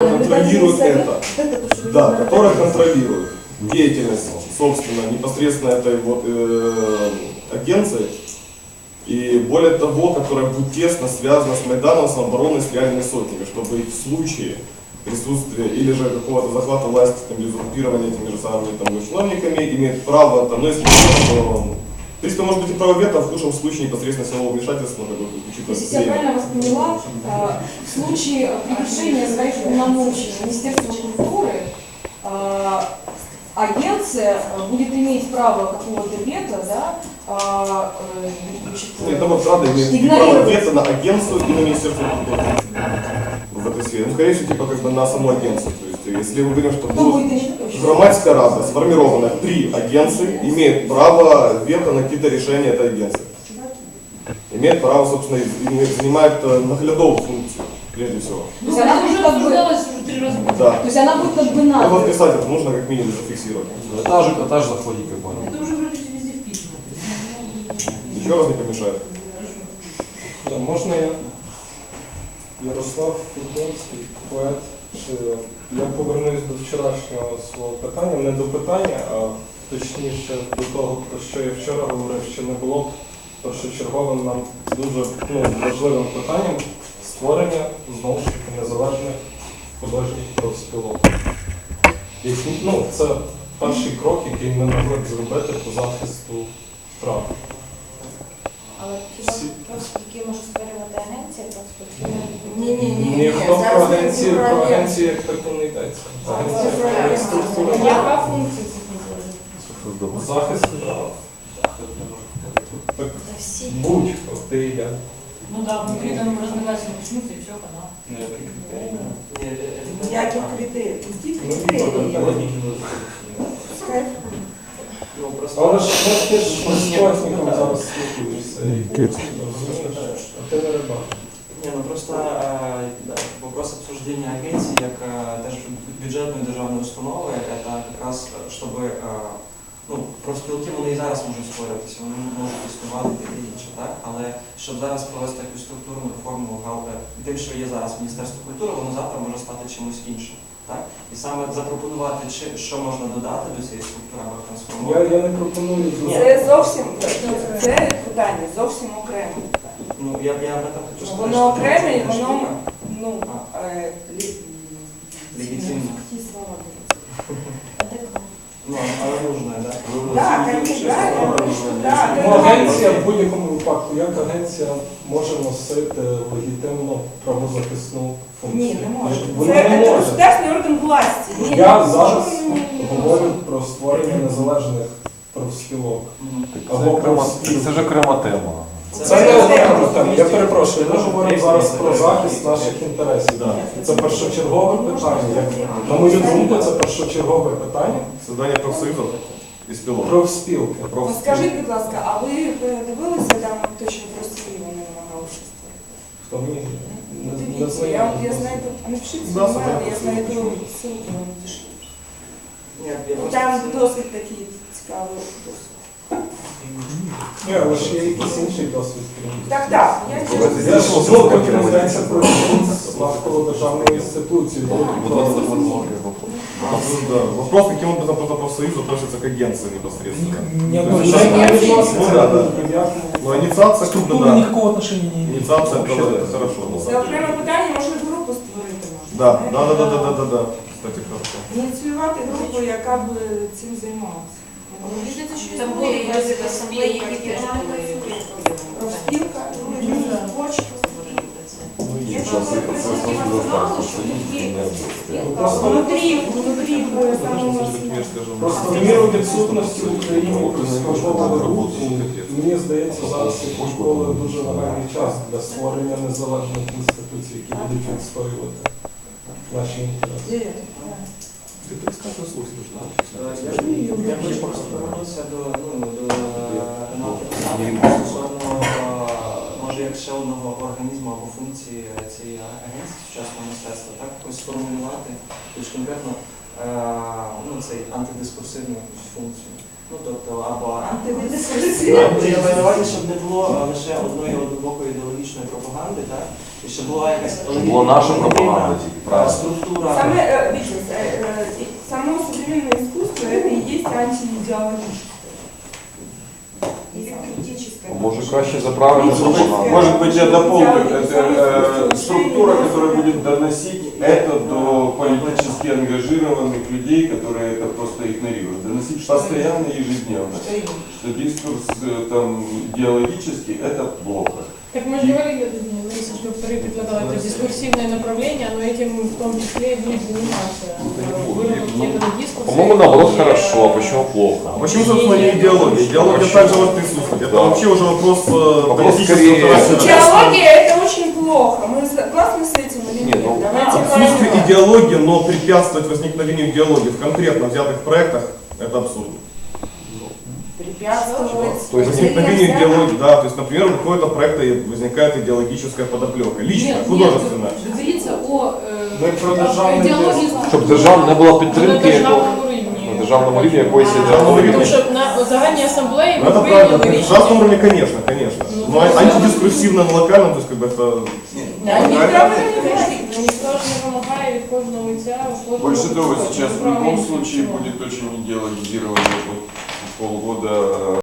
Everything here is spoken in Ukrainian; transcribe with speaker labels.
Speaker 1: которая контролирует это. Да, которая контролирует деятельность, собственно, непосредственно этой вот агенции. И более того, которая будет тесно связана с Майданом, самообороной, с реальными сотнями, чтобы в случае присутствия или же какого-то захвата власти там, или оккупирования этими же самыми там, чиновниками имеет право, там, ну если то, в принципе, может быть и право вето, а в худшем случае непосредственно силового вмешательства, как бы,
Speaker 2: если я правильно вас поняла, в случае превышения своих полномочий Министерства культуры агенция будет иметь право какого-то вето, да,
Speaker 1: это вот правда имеет право вето на агенцию и на Министерство культуры в этой сфере. Ну, скорее всего, типа как бы на саму агенцию. То есть, если мы говорим, что громадская рада, сформированная при агенции, имеет право вето на какие-то решения этой агенции. Имеет право, собственно, занимает наглядовую функцию, прежде всего.
Speaker 2: То есть она будет как бы...
Speaker 1: Да.
Speaker 2: То есть она будет как бы надо.
Speaker 1: Вот писать это нужно как минимум зафиксировать.
Speaker 3: Этаж заходит, как бы.
Speaker 4: Это уже вроде везде вписано.
Speaker 1: Ничего раз не помешает.
Speaker 5: Да, можна я? Ярослав Фурдонський, поет. Я повернусь до вчорашнього свого питання, не до питання, а точніше до того, про що я вчора говорив, що не було б першочерговим нам дуже важливим питанням створення, знову ж таки, незалежних художніх профспілок. Це перший крок, який ми могли б зробити по захисту прав.
Speaker 6: Але хіба профспілки може створювати агенція профспілки?
Speaker 5: Ніхто про агенцію як таку не йдеться.
Speaker 2: Яка функція цих
Speaker 5: Захист прав. Будь-хто, ти і я.
Speaker 4: Ну да, внутри там разногласия начнутся и все, канал.
Speaker 7: Ніяких критерій.
Speaker 5: Але ж ти ж художником зараз спілкуєшся. А ти не рибак.
Speaker 8: Не, ну просто вопрос обсуждения агенції як теж бюджетної державної установи, це якраз, щоб профспілки вони і зараз можуть створюватися, вони можуть існувати і таке інше, так? Але щоб зараз провести якусь структурну реформу, тим, що є зараз Міністерство культури, воно завтра може стати чимось іншим. Так? І саме запропонувати, що можна додати до цієї структури або трансформувати.
Speaker 5: Я не пропоную.
Speaker 7: Це зовсім, це питання зовсім окреме.
Speaker 8: Ну, я об этом хочу сказати.
Speaker 7: Воно окреме, і воно,
Speaker 8: легітимне. Ну, але нужне, так?
Speaker 7: Так,
Speaker 5: Агенція в будь-якому випадку, як агенція може носити легітимну правозахисну функцію?
Speaker 7: Ні, не може.
Speaker 5: Вона
Speaker 7: Це
Speaker 5: не може.
Speaker 7: государственний орган власті.
Speaker 5: Я зараз говорю про створення незалежних профспілок.
Speaker 3: Це ж окрема тема.
Speaker 5: Це не окрема тема. Я перепрошую, ми говоримо зараз про захист наших інтересів. Це першочергове питання. На мою думку, це першочергове питання.
Speaker 1: Создання профсоюзів і спілок.
Speaker 5: Профспілки.
Speaker 7: Скажіть, будь ласка, а ви дивилися там те, що в Росії вони намагалися створити?
Speaker 5: Хто мені не
Speaker 7: Дивіться,
Speaker 5: знайомий.
Speaker 7: я знайду, напишіть
Speaker 1: Да,
Speaker 7: свій email, я знайду ссылку вам надішлю. Там досить такий цікавий досвід.
Speaker 5: Ні, але ж є якийсь інший досвід.
Speaker 7: Так.
Speaker 5: Я ж знову таки не здається про навколо державної інституції.
Speaker 1: Вопрос, каким образом профсоюз относится к агенции непосредственно. Ну, инициация как бы, да.
Speaker 3: Никакого отношения не имеет.
Speaker 1: Инициация это хорошо.
Speaker 7: Це окреме питання, може групу створити можна.
Speaker 1: Да. Кстати, хорошо.
Speaker 7: Ініціювати групу, яка б цим займалася.
Speaker 6: Там були якісь асамблеї, які теж були
Speaker 7: Профспілка, творчість. Внутрі
Speaker 5: Просто в міру відсутності в Україні профспілкової групи, мені здається, зараз як ніколи дуже нагальний час для створення незалежних інституцій, які будуть відстоювати наші інтереси.
Speaker 8: Я хочу просто повернутися до стосовно, може, як ще одного організму або функції цієї агенції сучасного мистецтва, так, якось сформулювати, тобто конкретно цей антидискурсивну функцію. Ну тобто, або
Speaker 7: Антидискусія.
Speaker 8: я маю на увазі, щоб не було лише одної однобокої ідеологічної пропаганди, так? І щоб була якась
Speaker 3: Була наша пропаганда тільки, правильно.
Speaker 8: структура.
Speaker 7: Само современное искусство это и есть антиидеологическое.
Speaker 6: Или критическое.
Speaker 3: Може краще за правильну пропаганду.
Speaker 1: Может быть, я дополню. Это структура, которая будет доносить это до политически ангажированных людей, которые это просто игнорируют. Доносить постоянно, ежедневно. Что дискурс там идеологический – это плохо.
Speaker 4: Так мы же говорили, Лариса, что вторые предлагала это дискурсивное направление, но этим в том числе и будет заниматься. Выработки этого дискурса.
Speaker 3: По-моему, наоборот, хорошо, а почему плохо?
Speaker 1: А почему, собственно, не идеология? Идеология также может присутствовать. Это
Speaker 3: Да.
Speaker 1: вообще уже вопрос политического
Speaker 3: скорее-
Speaker 1: характера.
Speaker 7: Идеология это очень плохо. Мы согласны с этим или
Speaker 3: Не,
Speaker 7: нет?
Speaker 3: ну,
Speaker 7: Давайте
Speaker 1: Отсутствие
Speaker 7: правильно.
Speaker 1: идеологии, но препятствовать возникновению идеологии в конкретно взятых проектах – это абсурдно.
Speaker 7: Препятствовать.
Speaker 3: То есть
Speaker 1: Возникновению идеологии, да, то есть, например, у какого-то проекта возникает идеологическая подоплека, личная,
Speaker 2: Нет,
Speaker 1: художественная.
Speaker 2: нет, говорится о
Speaker 5: Ми про державний
Speaker 2: идеологии.
Speaker 3: Щоб держава не було
Speaker 4: На
Speaker 3: підтримки
Speaker 4: державному рівні.
Speaker 3: на державному рівні якоїсь
Speaker 1: Тому
Speaker 3: ідеології.
Speaker 4: Тому що на загальній асамблеї
Speaker 1: Ну,
Speaker 4: ми
Speaker 1: это правильно, на
Speaker 4: прийняли
Speaker 1: государственном
Speaker 4: рішення.
Speaker 1: уровне, конечно, конечно.
Speaker 4: Ну,
Speaker 1: Но
Speaker 4: да.
Speaker 1: антидискурсивно на локальном, то есть, как бы это...
Speaker 7: Да,
Speaker 1: Ну,
Speaker 7: никто
Speaker 1: это-
Speaker 7: не говорит.
Speaker 4: Ніхто ж не вимагає від кожного митця.
Speaker 9: Больше того, сейчас в любом
Speaker 4: Правильно.
Speaker 9: случае будет очень идеологизированный полгода